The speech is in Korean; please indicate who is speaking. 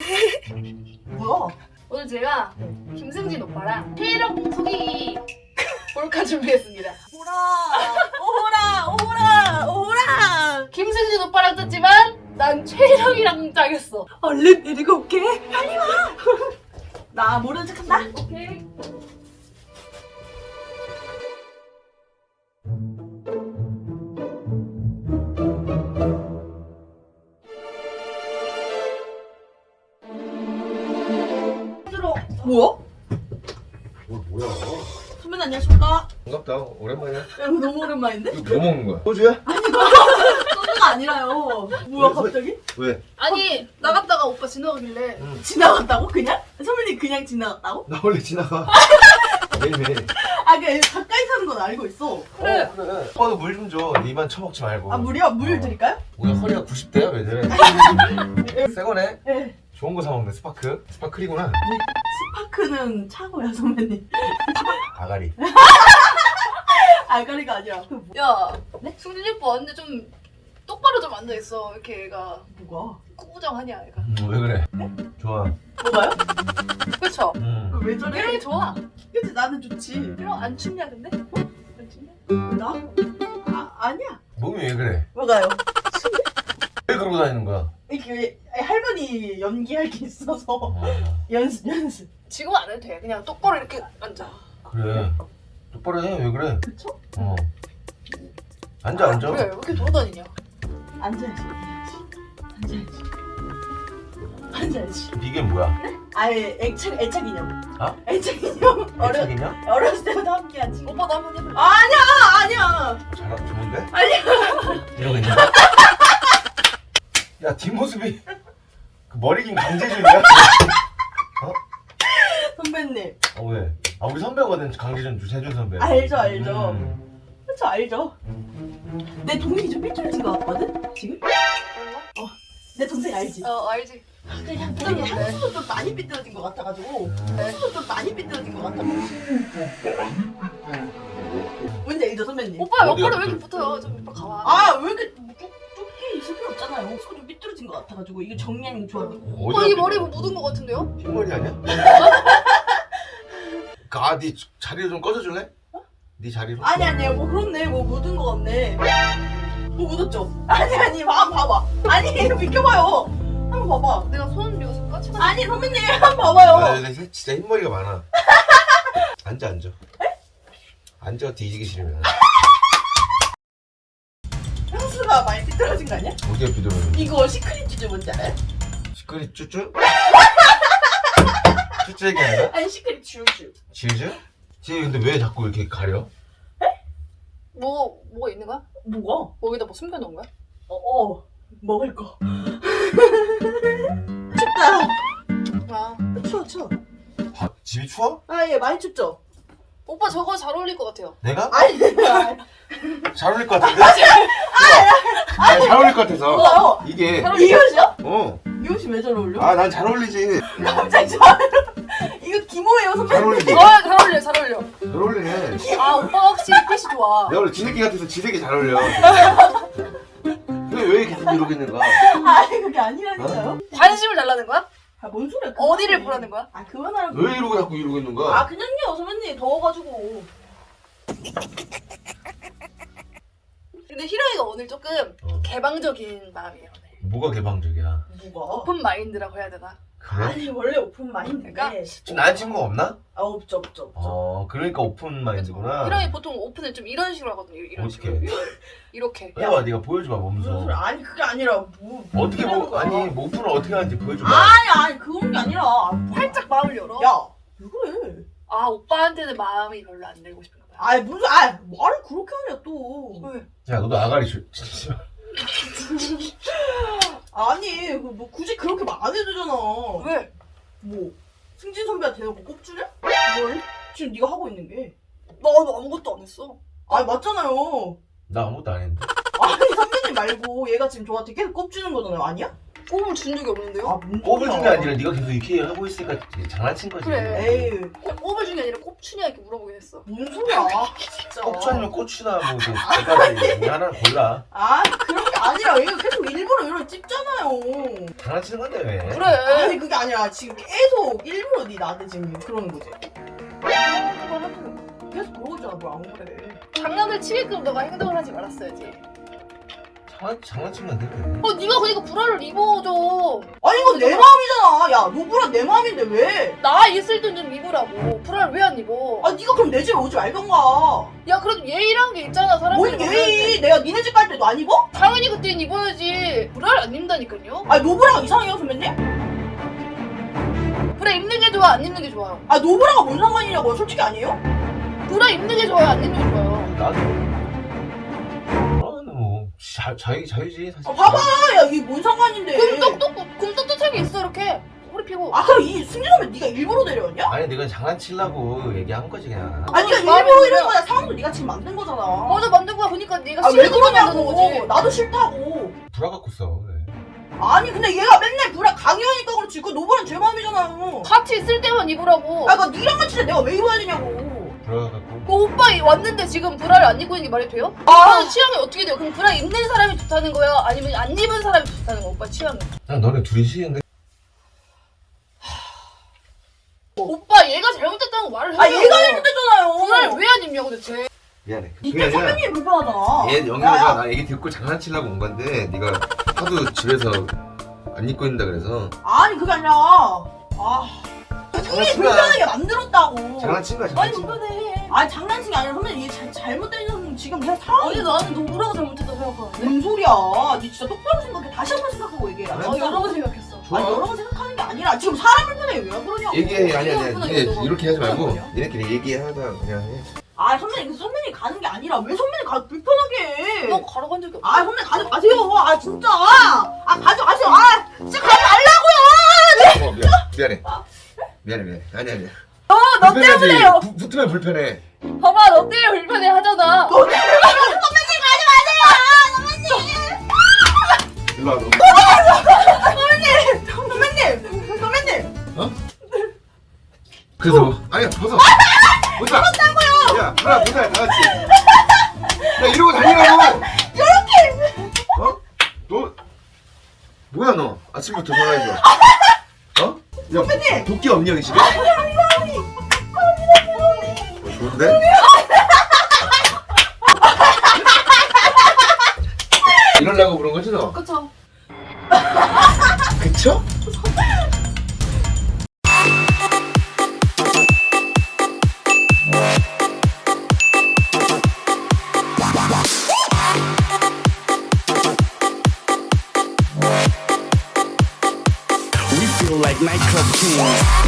Speaker 1: 뭐야?
Speaker 2: 오늘 제가 김승진 오빠랑 체력 속이기 몰카 준비했습니다.
Speaker 1: 오라!
Speaker 2: 김승진 오빠랑 짰지만 난 체력이랑 짜겠어.
Speaker 1: 얼른 데리고 올게. 빨리 와. 나 모르는 척한다.
Speaker 2: 오케이.
Speaker 1: 들어. 뭐야?
Speaker 3: 뭐야?
Speaker 1: 선배님 안녕하십니까?
Speaker 3: 반갑다. 오랜만이야.
Speaker 1: 야, 이거 너무 오랜만인데?
Speaker 3: 이거 뭐 먹는 거야? 소주야?
Speaker 1: 소주가 아니라요. 뭐야
Speaker 3: 왜?
Speaker 1: 갑자기?
Speaker 3: 왜?
Speaker 2: 아니 나갔다가 오빠 지나가길래
Speaker 1: 지나갔다고? 그냥? 선배님 그냥 지나갔다고?
Speaker 3: 나 원래 지나가. 매일매일.
Speaker 1: 아, 그 가까이 사는 건 알고 있어.
Speaker 2: 그래.
Speaker 3: 그래. 오빠도 물 좀 줘. 니만 처먹지 말고.
Speaker 1: 아, 물이요? 물 드릴까요?
Speaker 3: 오늘 허리가 90대야 왜 저래? 새 거네?
Speaker 1: 네.
Speaker 3: 좋은 거 사 먹네. 스파크. 스파클이구나.
Speaker 1: 스파크는 차고요, 선배님.
Speaker 3: 아가리.
Speaker 1: 알가리가 아니라. 그
Speaker 2: 야, 승진 오빠 왔는데 좀 똑바로 좀 앉아 있어. 이렇게 얘가
Speaker 1: 뭐가?
Speaker 2: 꾸부정하냐 얘가.
Speaker 3: 왜 그래? 좋아.
Speaker 1: 뭐가요?
Speaker 2: 그렇죠.
Speaker 1: 왜 저래?
Speaker 2: 이런 게 좋아.
Speaker 1: 그치, 나는 좋지.
Speaker 2: 이런 안 춥냐 근데? 안 춥냐?
Speaker 1: 나? 아니야.
Speaker 3: 몸이 왜 그래?
Speaker 1: 뭐가요?
Speaker 3: 왜 그러고 다니는 거야?
Speaker 1: 이게 할머니 연기할 게 있어서 연습.
Speaker 2: 지금 안 해도 돼. 그냥 똑바로 이렇게 앉아.
Speaker 3: 그래. 똑바로 해. 왜 그래?
Speaker 1: 그쵸?
Speaker 3: 어. 앉아.
Speaker 2: 그래 왜 이렇게 돌아다니냐?
Speaker 1: 앉아야지. 앉아야지.
Speaker 3: 이게 뭐야?
Speaker 1: 아예 애착 인형.
Speaker 3: 아?
Speaker 1: 애착 인형.
Speaker 3: 애착이냐?
Speaker 1: 어렸을 때부터 함께하지.
Speaker 2: 오빠도 한번 해볼래?
Speaker 1: 아니야.
Speaker 3: 좋은데?
Speaker 1: 아니야.
Speaker 3: 이러고 있는 거야? 야 뒷모습이 그 머리 긴 강재준이야?
Speaker 1: 선배님.
Speaker 3: 왜? 아 우리 선배거든 강재준 세준 선배.
Speaker 1: 알죠. 그쵸, 알죠. 내 동생이 좀 삐뚤어진 것 같거든? 지금?
Speaker 2: 그런가?
Speaker 1: 내 동생 알지?
Speaker 2: 알지.
Speaker 1: 그냥
Speaker 2: 삐뚤어졌네.
Speaker 1: 향수도 좀 많이 삐뚤어진 것 같아가지고 향수도 좀 많이 삐뚤어진 것 같아. 뭔지 알죠, 선배님?
Speaker 2: 오빠
Speaker 3: 어디가
Speaker 2: 옆구리 왜 이렇게 붙어요? 좀 오빠 가와.
Speaker 1: 아, 왜 이렇게 좁게 있을 필요 없잖아요. 수가 좀 삐뚤어진 것 같아가지고 이게 정량이 좋아.
Speaker 2: 오빠 이 머리 뭐 묻은 거 같은데요?
Speaker 3: 흰머리 아니야? 네 자리를 좀 꺼져줄래? 네 자리로?
Speaker 1: 아니, 뭐 그렇네. 뭐 묻은 거 같네. 뭐 묻었죠? 아니, 봐봐. 아니, 비켜봐요. 한번 봐봐.
Speaker 2: 내가 손 이거 까치가.
Speaker 1: 아니, 선배님, 한번 봐봐요.
Speaker 3: 진짜 흰머리가 많아. 앉아. 앉아 뒤지기 싫으면.
Speaker 1: 향수가 많이 삐뚤어진 거 아니야?
Speaker 3: 어디가 비도면?
Speaker 1: 이거 시크릿 주제 뭔지 알아요?
Speaker 3: 시크릿 쭈쭈? 쭈쭈 얘기 아니야?
Speaker 1: 아니, 시크릿 슈슈.
Speaker 3: 지우즈? 지 근데 왜 자꾸 이렇게 가려?
Speaker 2: 뭐가 있는 거야?
Speaker 1: 뭐가?
Speaker 2: 여기다 뭐 숨겨놓은 거야?
Speaker 1: 먹을 거. 춥다.
Speaker 2: 아
Speaker 1: 추워.
Speaker 3: 집이 추워?
Speaker 1: 예, 많이 춥죠?
Speaker 2: 오빠 저거 잘 어울릴 것 같아요.
Speaker 3: 내가?
Speaker 1: 아니,
Speaker 3: 잘 어울릴 것 같은데? 아니, 잘 어울릴 것 같아서.
Speaker 1: 뭐요?
Speaker 3: 이게
Speaker 1: 이 옷이요?
Speaker 3: 이
Speaker 1: 옷이 왜 잘 어울려?
Speaker 3: 난 잘 어울리지.
Speaker 1: 갑자기 잘 어울려. 이거 기모예요,
Speaker 3: 잘
Speaker 1: 선배님.
Speaker 3: 어울리지.
Speaker 2: 잘 어울려 잘 어울려.
Speaker 3: 잘 어울리네.
Speaker 2: 아 오빠 확실히 핏이 좋아.
Speaker 3: 내가 원래 지새끼 같아서 지새끼 잘 어울려. 근데 왜 계속 이러고 있는 거야?
Speaker 1: 아니, 그게 아니라니까요.
Speaker 2: 관심을 달라는 거야?
Speaker 1: 뭔 소리야?
Speaker 2: 어디를 보라는 거야?
Speaker 1: 그만하라고.
Speaker 3: 왜 이러고 자꾸 이러고 있는 거야?
Speaker 1: 그냥요, 선배님. 더워가지고.
Speaker 2: 근데 희랑이가 오늘 조금
Speaker 3: 어.
Speaker 2: 개방적인 마음이에요. 오늘.
Speaker 3: 뭐가 개방적이야?
Speaker 1: 뭐가?
Speaker 2: 오픈 마인드라고 해야 되나?
Speaker 3: 그래?
Speaker 1: 아니, 원래 오픈 마인드인데.
Speaker 2: 그러니까?
Speaker 3: 지금 나한 친구가 없나?
Speaker 1: 없죠.
Speaker 3: 그러니까 오픈 마인드구나.
Speaker 2: 희랑이 보통 오픈을 좀 이런 식으로 하거든요. 이런
Speaker 3: 어떻게?
Speaker 2: 식으로. 이렇게.
Speaker 3: 해봐, 네가 보여줘봐 몸소.
Speaker 1: 무슨 소리? 아니, 그게 아니라
Speaker 3: 어떻게
Speaker 1: 하는 거야?
Speaker 3: 뭐 오픈을 어떻게 하는지 보여줘봐.
Speaker 1: 아니, 그런 게 아니라.
Speaker 2: 활짝 마음을 열어.
Speaker 1: 야, 왜 그래?
Speaker 2: 아 오빠한테는 마음이 별로 안 들고 싶은가 봐요.
Speaker 1: 말을 그렇게 하냐 또.
Speaker 2: 왜?
Speaker 3: 야, 너도 아가리 줘.
Speaker 1: 아니, 뭐 굳이 그렇게 말 안 해도 되잖아.
Speaker 2: 왜?
Speaker 1: 뭐 승진 선배한테 대놓고 꼽주래?
Speaker 2: 뭘?
Speaker 1: 지금 네가 하고 있는 게.
Speaker 2: 나도 아무것도 안 했어.
Speaker 1: 맞잖아요.
Speaker 3: 나 아무것도 안 했는데.
Speaker 1: 아니, 선배님 말고 얘가 지금 저한테 계속 꼽주는 거잖아요. 아니야?
Speaker 2: 꼽을 준 적이 없는데요?
Speaker 1: 아, 뭔
Speaker 3: 꼽을
Speaker 1: 소리야.
Speaker 3: 준 게 아니라 네가 계속 이렇게 하고 있으니까 장난친 거지.
Speaker 2: 그래.
Speaker 1: 에이,
Speaker 2: 꼽을 준 게 아니라 꼽추냐 이렇게 물어보긴 했어.
Speaker 1: 뭔 소리야. 진짜.
Speaker 3: 고추 아니면 고추나 뭐 대가리 하나 골라.
Speaker 1: 아, 그런 게 아니라 얘가 계속 일부러 이런 찝잖아요.
Speaker 3: 장난치는 건데 왜?
Speaker 2: 그래.
Speaker 1: 아니, 그게 아니라 지금 계속 일부러 네 나한테 지금 그러는 거지. 계속 그러고 있잖아, 뭐 안 그래.
Speaker 2: 장난을 치게끔 너가 행동을 하지 말았어야지.
Speaker 3: 장난치면 안 돼.
Speaker 2: 네가 그러니까 브라를 입어줘.
Speaker 1: 아니, 이건 내 마음이잖아. 야, 노브라 내 마음인데 왜?
Speaker 2: 나 있을 땐 좀 입으라고. 브라를 왜 안 입어?
Speaker 1: 아, 네가 그럼 내 집에 오지 말던가.
Speaker 2: 야 그래도 예의란 게 있잖아 사람들이.
Speaker 1: 뭔 예의? 내가 니네 집 갈 때도 안 입어?
Speaker 2: 당연히 그땐 입어야지. 브라를 안 입는다니까요.
Speaker 1: 아, 노브라가 이상해요, 선배님?
Speaker 2: 브라 입는 게 좋아 안 입는 게 좋아요?
Speaker 1: 아, 노브라가 뭔 상관이냐고요? 솔직히 아니에요?
Speaker 2: 브라 입는 게 좋아요 안 입는 게 좋아요?
Speaker 3: 나도. 뭐 자유지 사실.
Speaker 1: 아, 봐봐! 야, 이게 뭔 상관인데.
Speaker 2: 그럼 떳떳하게 있어 이렇게. 허리 펴고.
Speaker 1: 아, 그럼 이 승진 선배 네가 일부러 데려왔냐?
Speaker 3: 아니 내가 장난치려고 얘기한 거지 그냥.
Speaker 1: 아, 네가
Speaker 2: 마음에
Speaker 1: 일부러
Speaker 2: 들어.
Speaker 1: 이런 거야. 상황도 네가 지금 만든 거잖아.
Speaker 2: 맞아 만든 거야. 보니까 네가
Speaker 1: 아, 왜
Speaker 2: 싫은 거 만드는
Speaker 1: 그러냐고.
Speaker 2: 거지.
Speaker 1: 나도 싫다고.
Speaker 3: 불화 갖고 써. 왜?
Speaker 1: 아니, 근데 얘가 맨날 브라 강요하니까 그렇지. 그 노브라는 제 마음이잖아요.
Speaker 2: 같이 있을 때만 입으라고.
Speaker 1: 아, 그니까 니랑 같이 내가 왜 입어야 되냐고.
Speaker 3: 불화 갖고.
Speaker 2: 그 오빠 왔는데 지금 브라를 안 입고 있는 게 말이 돼요?
Speaker 1: 아.
Speaker 2: 오빠는 취향이 어떻게 돼요? 그럼 브라 입는 사람이 좋다는 거야? 아니면 안 입은 사람이 좋다는 거야? 오빠 취향은?
Speaker 3: 난 너네 둘이 싫은데.
Speaker 2: 오빠 얘가 잘못했다고 말을 해요.
Speaker 1: 아, 얘가 잘못했잖아요.
Speaker 2: 브라를 왜 안 입냐고 대체.
Speaker 3: 미안해.
Speaker 1: 이때 선배님이 불편하잖아.
Speaker 3: 얘
Speaker 1: 야,
Speaker 3: 영희가
Speaker 1: 야.
Speaker 3: 나 얘기 듣고 장난치려고 온 건데 네가 하도 집에서 안 입고 있는다 그래서
Speaker 1: 아니, 그게 아니라. 아. 이게 불편하게 만들었다고.
Speaker 3: 장난친 거야
Speaker 2: 아니
Speaker 3: 장난친 거야.
Speaker 2: 불편해.
Speaker 1: 아니, 장난친 게 아니라 선배님 얘 잘못된 지금 그냥 상황이.
Speaker 2: 아니 나는 노브라가 잘못했다고 생각하는데.
Speaker 1: 뭔 소리야. 니 진짜 똑바로 생각해. 다시 한 번 생각하고 얘기해.
Speaker 3: 그래?
Speaker 2: 여러 번 생각했어.
Speaker 3: 좋아.
Speaker 1: 아니, 여러 번 생각하는 게 아니라 지금 사람 불편해 왜 그러냐고.
Speaker 3: 얘기해. 아니
Speaker 2: 이거
Speaker 3: 니네
Speaker 2: 이거
Speaker 3: 이렇게 하지 말고
Speaker 2: 뭐야?
Speaker 3: 니네끼리 얘기하다 그냥 해.
Speaker 1: 아, 선배님 가는 게 아니라 왜 선배님 불편하게 해.
Speaker 2: 너 가러 간 적이 없어.
Speaker 1: 아, 선배님 가지 마세요. 아, 진짜. 아, 가지 마세요. 아, 진짜 가지 말라고요.
Speaker 3: 미안해. 미안해. 아니야.
Speaker 2: 너 때문에요.
Speaker 3: 붙으면 불편해.
Speaker 2: 봐봐 너 때문에 불편해 하잖아.
Speaker 1: 선배님 가지 마세요. 선배님.
Speaker 3: 일로 와. 너.
Speaker 1: 선배님.
Speaker 3: 그래서 뭐? 아니야 벗어. 벗어. 벗었다고요. 야 하나 벗어 다 같이. 야 이러고 다니라고. 이렇게. 어? 너 뭐야 너? 아침부터 전화해줘. 어? 야
Speaker 1: 선배님.
Speaker 3: 도끼 없니 여기 집에? 좋은데? 이러려고 그런 거지 너?
Speaker 2: 그쵸.
Speaker 3: 그쵸?
Speaker 4: We feel like nightclub kings.